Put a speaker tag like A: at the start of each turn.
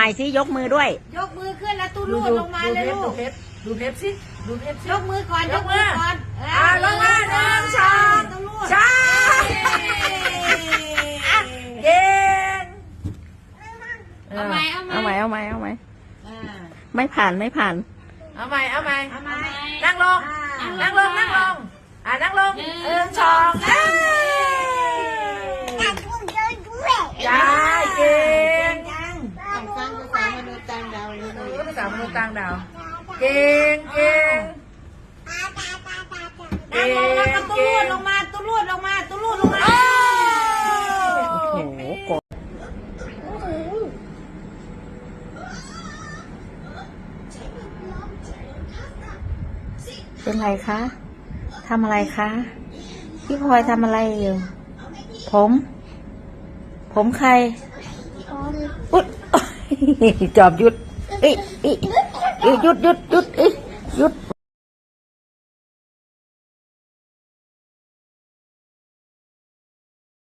A: ไปสิยกมือด้วย
B: ยกมือขึ้นแล้วตู้รูดลงมาเลยลูก
C: ดูเพชรสิดูเพชรสิ
B: ยกมือก่อนยกมือก่อน
C: ลงมาหนึ่งสองใช่เก่ง
B: เอาไหม
A: ไม่ผ่าน
C: เอาใหม่นั่งลงนั่งลงนั่งลงหนึ่งสองใช่เก่ง
B: ภาษามนุษย์ต่างดาว
C: ภาษามนุษย์ต่างดาวเก่ง
B: นั่งลงแล้วก็ตู้รูดลงมาโ
A: อ้โหกดเป็นไรคะทำอะไรคะพี่พลอยทำอะไรอยู่ผมใครอุ๊ยจอบหยุดหยุด